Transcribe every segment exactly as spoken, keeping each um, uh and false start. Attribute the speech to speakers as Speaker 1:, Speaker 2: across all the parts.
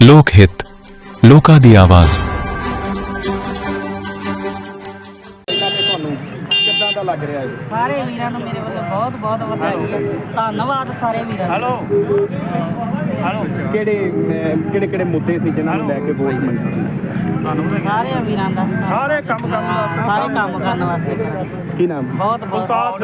Speaker 1: ਲੋਕ ਹਿੱਤ, ਲੋਕਾਂ ਦੀ ਆਵਾਜ਼।
Speaker 2: ਤੁਹਾਨੂੰ ਕਿੱਦਾਂ ਦਾ ਲੱਗ ਰਿਹਾ ਹੈ?
Speaker 3: ਸਾਰੇ ਵੀਰਾਂ ਨੂੰ ਮੇਰੇ ਵੱਲੋਂ ਬਹੁਤ ਬਹੁਤ ਵਧਾਈ ਹੈ। ਧੰਨਵਾਦ ਸਾਰੇ ਵੀਰਾਂ ਦਾ।
Speaker 2: ਹੈਲੋ ਹੈਲੋ ਕਿਹੜੇ ਅਹ, ਕਿਹੜੇ ਕਿਹੜੇ ਮੁੱਦੇ ਸੀ ਜਿਨ੍ਹਾਂ ਨੂੰ ਲੈ ਕੇ ਵੋਟ ਮੰਗੀ?
Speaker 3: ਸਾਰੇ ਵੀਰਾਂ ਦਾ
Speaker 2: ਸਾਰੇ ਕੰਮ ਕਰਨ
Speaker 3: ਹਾਂ, ਸਾਰੇ ਕੰਮ ਕਰਨ ਵਾਸਤੇ ਕਰਾਂ।
Speaker 2: ਕੀ ਨਾਮ?
Speaker 3: ਬਹੁਤ ਬਹੁਤ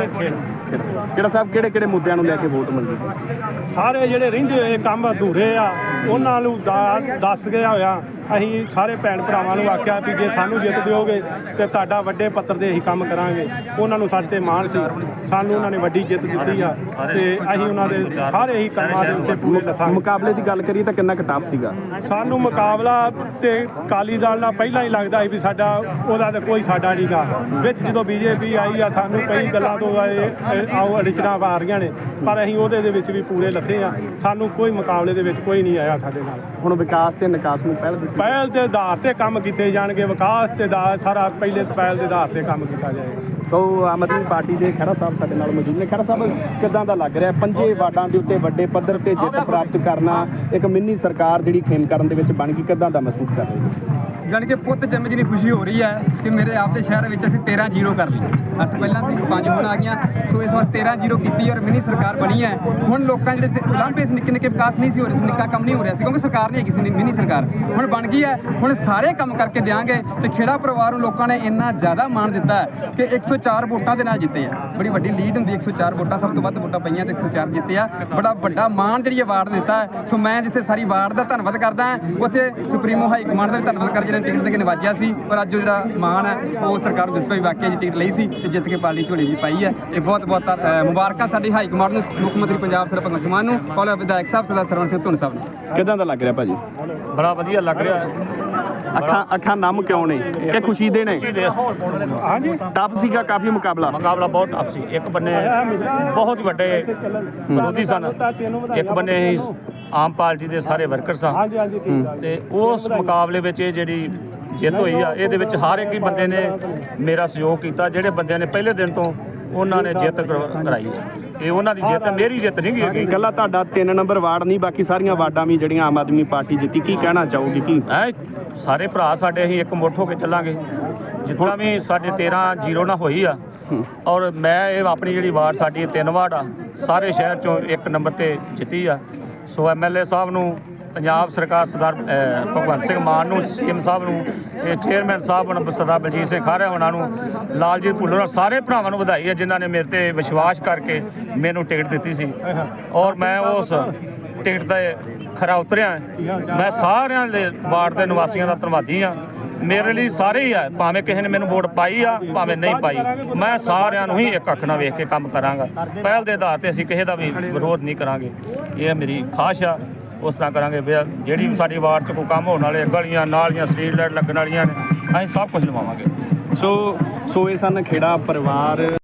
Speaker 2: ਕਿਹੜਾ ਸਾਹਿਬ ਕਿਹੜੇ ਕਿਹੜੇ ਮੁੱਦਿਆਂ ਨੂੰ ਲੈ ਕੇ ਵੋਟ ਮੰਗੀ?
Speaker 4: ਸਾਰੇ ਜਿਹੜੇ ਰਹਿੰਦੇ ਹੋਏ ਕੰਮ ਅਧੂਰੇ ਆ ਉਹਨਾਂ ਨੂੰ ਦਾ- ਦੱਸ ਗਿਆ ਹੋਇਆ। ਅਸੀਂ ਸਾਰੇ ਭੈਣ ਭਰਾਵਾਂ ਨੂੰ ਆਖਿਆ ਵੀ ਜੇ ਸਾਨੂੰ ਜਿੱਤ ਦਿਓਗੇ ਤੇ ਤੁਹਾਡਾ ਵੱਡੇ ਪੱਤਰ ਦੇ ਅਸੀਂ ਕੰਮ ਕਰਾਂਗੇ। ਉਹਨਾਂ ਨੂੰ ਸਾਡੇ ਤੇ ਮਾਣ ਸੀ, ਸਾਨੂੰ ਉਹਨਾਂ ਨੇ ਵੱਡੀ ਜਿੱਤ ਦਿੱਤੀ ਆ ਤੇ ਅਸੀਂ ਉਹਨਾਂ ਦੇ ਸਾਰੇ ਹੀ ਕੰਮਾਂ ਦੇ ਉੱਤੇ ਪੂਰੇ ਲੱਥਾਂਗੇ।
Speaker 2: ਮੁਕਾਬਲੇ ਦੀ ਗੱਲ ਕਰੀਏ ਤਾਂ ਕਿੰਨਾ ਕੁ ਟਫ ਸੀਗਾ?
Speaker 4: ਸਾਨੂੰ ਮੁਕਾਬਲਾ ਤੇ ਅਕਾਲੀ ਦਲ ਨਾਲ ਪਹਿਲਾਂ ਹੀ ਲੱਗਦਾ ਸੀ ਵੀ ਸਾਡਾ ਉਹਦਾ ਤਾਂ ਕੋਈ ਸਾਡਾ ਨਹੀਂਗਾ। ਵਿੱਚ ਜਦੋਂ ਬੀਜੇਪੀ ਆਈ ਆ ਸਾਨੂੰ ਕਈ ਗੱਲਾਂ ਤੋਂ ਇਹ ਆਓ ਅੜਚਣਾਂ ਆ ਰਹੀਆਂ ਨੇ, ਪਰ ਅਸੀਂ ਉਹਦੇ ਦੇ ਵਿੱਚ ਵੀ ਪੂਰੇ ਲੱਥੇ ਆ। ਸਾਨੂੰ ਕੋਈ ਮੁਕਾਬਲੇ ਦੇ ਵਿੱਚ ਕੋਈ ਨਹੀਂ ਆਇਆ ਸਾਡੇ ਨਾਲ।
Speaker 2: ਹੁਣ ਵਿਕਾਸ ਤੇ ਨਿਕਾਸ ਨੂੰ ਪਹਿਲ ਦਿੱਤੀ।
Speaker 4: ਪਹਿਲ ਦੇ ਆਧਾਰ ਤੇ ਕੰਮ ਕੀਤੇ ਜਾਣਗੇ। ਵਿਕਾਸ ਤੇ ਦਾ ਸਾਰਾ ਪਹਿਲੇ ਪਹਿਲ ਦੇ ਆਧਾਰ ਤੇ ਕੰਮ ਕੀਤਾ ਜਾਏਗਾ।
Speaker 2: ਸੋ ਆਮ ਆਦਮੀ ਪਾਰਟੀ ਦੇ ਖਹਿਰਾ ਸਾਹਿਬ ਸਾਡੇ ਨਾਲ ਮੌਜੂਦ ਨੇ। ਖਹਿਰਾ ਸਾਹਿਬ ਕਿੱਦਾਂ ਦਾ ਲੱਗ ਰਿਹਾ ਪੰਜੇ ਵਾਰਡਾਂ ਦੇ ਉੱਤੇ ਵੱਡੇ ਪੱਧਰ ਤੇ ਜਿੱਤ ਪ੍ਰਾਪਤ ਕਰਨਾ, ਇੱਕ ਮਿੰਨੀ ਸਰਕਾਰ ਜਿਹੜੀ ਖੇਮ ਕਰਨ ਦੇ ਵਿੱਚ ਬਣ ਗਈ, ਕਿੱਦਾਂ ਦਾ ਮਹਿਸੂਸ ਕਰ ਰਹੇ ਹੋ?
Speaker 5: ਜਾਣੀ ਕਿ ਪੁੱਤ ਜਨਮ ਜਿੰਨੀ ਖੁਸ਼ੀ ਹੋ ਰਹੀ ਹੈ ਕਿ ਮੇਰੇ ਆਪ ਦੇ ਸ਼ਹਿਰ ਵਿੱਚ ਅਸੀਂ ਤੇਰਾਂ ਜ਼ੀਰੋ ਕਰ ਲਈ। ਅੱਠ ਪਹਿਲਾਂ ਸੀ, ਪੰਜ ਹੁਣ ਆ ਗਈਆਂ। ਸੋ ਇਸ ਵਾਰ ਤੇਰਾਂ ਜ਼ੀਰੋ ਕੀਤੀ ਔਰ ਮਿਨੀ ਸਰਕਾਰ ਬਣੀ ਹੈ। ਹੁਣ ਲੋਕਾਂ ਜਿਹੜੇ ਉਲਾਂਭੇ ਨਿੱਕੇ ਨਿੱਕੇ ਵਿਕਾਸ ਨਹੀਂ ਸੀ ਹੋ ਰਹੇ ਸੀ, ਨਿੱਕਾ ਕੰਮ ਨਹੀਂ ਹੋ ਰਿਹਾ ਸੀ ਕਿਉਂਕਿ ਸਰਕਾਰ ਨਹੀਂ ਹੈਗੀ ਸੀ। ਮਿਨੀ ਸਰਕਾਰ ਹੁਣ ਬਣ ਗਈ ਹੈ। ਹੁਣ ਸਾਰੇ ਕੰਮ ਕਰਕੇ ਦਿਆਂਗੇ ਤੇ ਖੇੜਾ ਪਰਿਵਾਰ ਨੂੰ ਲੋਕਾਂ ਨੇ ਇੰਨਾ ਜ਼ਿਆਦਾ ਮਾਣ ਦਿੱਤਾ ਹੈ ਕਿ ਇੱਕ ਸੌ ਚਾਰ ਵੋਟਾਂ ਦੇ ਨਾਲ ਜਿੱਤੇ ਆ। ਬੜੀ ਵੱਡੀ ਲੀਡ ਹੁੰਦੀ, ਇੱਕ ਸੌ ਚਾਰ ਵੋਟਾਂ ਸਭ ਤੋਂ ਵੱਧ ਵੋਟਾਂ ਪਈਆਂ ਤੇ ਇੱਕ ਸੌ ਚਾਰ ਜਿੱਤੇ ਆ। ਬੜਾ ਵੱਡਾ ਮਾਣ ਜਿਹੜੀ ਅਵਾਰਡ ਦਿੱਤਾ ਹੈ। ਸੋ ਮੈਂ ਜਿੱਥੇ ਸਾਰੀ ਵਾਰਡ ਦਾ ਧੰਨਵਾਦ ਕਰਦਾ ਹਾਂ, ਉੱਥੇ ਸੁਪਰੀਮੋ ਹਾਈ ਕਮਾਂਡ ਦਾ ਵੀ ਧੰਨਵਾਦ ਕਰ ਜਿਹਨੇ ਟਿਕਟ ਦੇ ਕੇ ਨਵਾਜਿਆ ਸੀ। ਪਰ ਅੱਜ ਜਿਹੜਾ ਮਾਣ ਹੈ ਉਹ ਸਰਕਾਰ ਨੂੰ ਦੱਸਦਾ ਵੀ ਵਾਕਿਆ ਜੀ ਟਿਕਟ ਲਈ ਸੀ ਤੇ ਜਿੱਤ ਕੇ ਪਾਰਟੀ ਝੋਲੀ ਜੀ ਪਾਈ ਹੈ। ਇਹ ਬਹੁਤ ਬਹੁਤ ਅ, ਮੁਬਾਰਕਾਂ ਸਾਡੀ ਹਾਈ ਕਮਾਂਡ ਨੂੰ, ਮੁੱਖ ਮੰਤਰੀ ਪੰਜਾਬ ਸਰਦਾਰ ਭਗਵੰਤ ਮਾਨ ਨੂੰ, ਔਰ ਵਿਧਾਇਕ ਸਾਹਿਬ ਸਰਦਾਰ ਸਰਵਣ ਸਿੰਘ ਧੁੰਨ ਸਾਹਿਬ ਨੂੰ।
Speaker 2: ਕਿੱਦਾਂ ਦਾ ਲੱਗ ਰਿਹਾ ਭਾਜੀ?
Speaker 6: ਬੜਾ ਵਧੀਆ ਲੱਗ ਰਿਹਾ ਹੈ।
Speaker 2: ਅੱਖਾਂ ਅੱਖਾਂ ਨਮ ਕਿਉਂ ਨੇ ਕਿ ਖੁਸ਼ੀ ਦੇ ਨੇ?
Speaker 4: ਹਾਂਜੀ
Speaker 2: ਟਫ ਸੀਗਾ ਕਾਫੀ ਮੁਕਾਬਲਾ।
Speaker 6: ਮੁਕਾਬਲਾ ਬਹੁਤ ਟਫ ਸੀ। ਇੱਕ ਬੰਨੇ ਬਹੁਤ ਵੱਡੇ ਵਿਰੋਧੀ ਸਨ, ਇੱਕ ਬੰਨੇ ਹੀ ਆਮ ਪਾਰਟੀ ਦੇ ਸਾਰੇ ਵਰਕਰ ਸਨ।
Speaker 4: ਹਾਂਜੀ ਹਾਂਜੀ ਠੀਕ ਆ।
Speaker 6: ਤੇ ਉਸ ਮੁਕਾਬਲੇ ਵਿੱਚ ਇਹ ਜਿਹੜੀ ਜਿੱਤ ਹੋਈ ਆ, ਇਹਦੇ ਵਿੱਚ ਹਰ ਇੱਕ ਹੀ ਬੰਦੇ ਨੇ ਮੇਰਾ ਸਹਿਯੋਗ ਕੀਤਾ। ਜਿਹੜੇ ਬੰਦਿਆਂ ਨੇ ਪਹਿਲੇ ਦਿਨ ਤੋਂ ਉਹਨਾਂ ਨੇ ਜਿੱਤ ਕਰ- ਕਰਾਈ ਹੈ। ਇਹ ਉਹਨਾਂ ਦੀ ਜਿੱਤ, ਮੇਰੀ ਜਿੱਤ ਨਹੀਂ ਗਈ।
Speaker 2: ਇਕੱਲਾ ਤੁਹਾਡਾ ਤਿੰਨ ਨੰਬਰ ਵਾਰਡ ਨਹੀਂ, ਬਾਕੀ ਸਾਰੀਆਂ ਵਾਰਡਾਂ ਵੀ ਜਿਹੜੀਆਂ ਆਮ ਆਦਮੀ ਪਾਰਟੀ ਜਿੱਤੀ, ਕੀ ਕਹਿਣਾ ਚਾਹੋਗੇ? ਕੀ
Speaker 6: ਐ ਸਾਰੇ ਭਰਾ ਸਾਡੇ ਅਸੀਂ ਇੱਕ ਮੁੱਠ ਹੋ ਕੇ ਚੱਲਾਂਗੇ। ਜਿੱਦਾਂ ਵੀ ਸਾਡੇ ਤੇਰਾਂ ਜ਼ੀਰੋ ਨਾਲ ਹੋਈ ਆ। ਔਰ ਮੈਂ ਇਹ ਆਪਣੀ ਜਿਹੜੀ ਵਾਰਡ ਸਾਡੀ ਇਹ ਤਿੰਨ ਵਾਰਡ ਆ, ਸਾਰੇ ਸ਼ਹਿਰ ਚੋਂ ਇੱਕ ਨੰਬਰ ਤੇ ਜਿੱਤੀ ਆ। ਸੋ ਐਮ ਐਲ ਏ ਸਾਹਿਬ ਨੂੰ, ਪੰਜਾਬ ਸਰਕਾਰ ਸਰਦਾਰ ਅ, ਭਗਵੰਤ ਸਿੰਘ ਮਾਨ ਨੂੰ, ਸੀਐਮ ਸਾਹਿਬ ਨੂੰ, ਤੇ ਚੇਅਰਮੈਨ ਸਾਹਿਬ ਨੂੰ ਸਰਦਾਰ ਬਲਜੀਤ ਸਿੰਘ ਖਾਰਾ ਉਹਨਾਂ ਨੂੰ, ਲਾਲਜੀਤ ਭੁੱਲਰ ਨਾਲ ਸਾਰੇ ਭਰਾਵਾਂ ਨੂੰ ਵਧਾਈ ਹੈ ਜਿਨ੍ਹਾਂ ਨੇ ਮੇਰੇ ਤੇ ਵਿਸ਼ਵਾਸ ਕਰਕੇ ਮੈਨੂੰ ਟਿਕਟ ਦਿੱਤੀ ਸੀ। ਔਰ ਮੈਂ ਉਸ ਟਿਕਟ ਤੇ ਖਰਾ ਉਤਰਿਆ। ਮੈਂ ਸਾਰਿਆਂ ਦੇ ਵਾਰਡ ਦੇ ਨਿਵਾਸੀਆਂ ਦਾ ਧੰਨਵਾਦੀ ਹਾਂ। ਮੇਰੇ ਲਈ ਸਾਰੇ ਹੀ ਆ, ਭਾਵੇਂ ਕਿਸੇ ਨੇ ਮੈਨੂੰ ਵੋਟ ਪਾਈ ਆ ਭਾਵੇਂ ਨਹੀਂ ਪਾਈ, ਮੈਂ ਸਾਰਿਆਂ ਨੂੰ ਹੀ ਇੱਕ ਅੱਖ ਨਾਲ ਵੇਖ ਕੇ ਕੰਮ ਕਰਾਂਗਾ। ਪਹਿਲ ਦੇ ਆਧਾਰ ਤੇ ਅਸੀਂ ਕਿਸੇ ਦਾ ਵੀ ਵਿਰੋਧ ਨਹੀਂ ਕਰਾਂਗੇ। ਇਹ ਮੇਰੀ ਖਾਸ਼ ਆ, ਉਸ ਤਰ੍ਹਾਂ ਕਰਾਂਗੇ। ਜਿਹੜੀ ਵੀ ਸਾਡੀ ਵਾਰਡ 'ਚ ਕੋਈ ਕੰਮ ਹੋਣ ਵਾਲੇ, ਗਲੀਆਂ ਨਾਲੀਆਂ ਸਟਰੀਟ ਲਾਈਟ ਲੱਗਣ ਵਾਲੀਆਂ ਨੇ, ਅਸੀਂ ਸਭ ਕੁਝ ਲਵਾਵਾਂਗੇ।
Speaker 2: ਸੋ ਸੋ ਇਹ ਸਨ ਖੇੜਾ ਪਰਿਵਾਰ।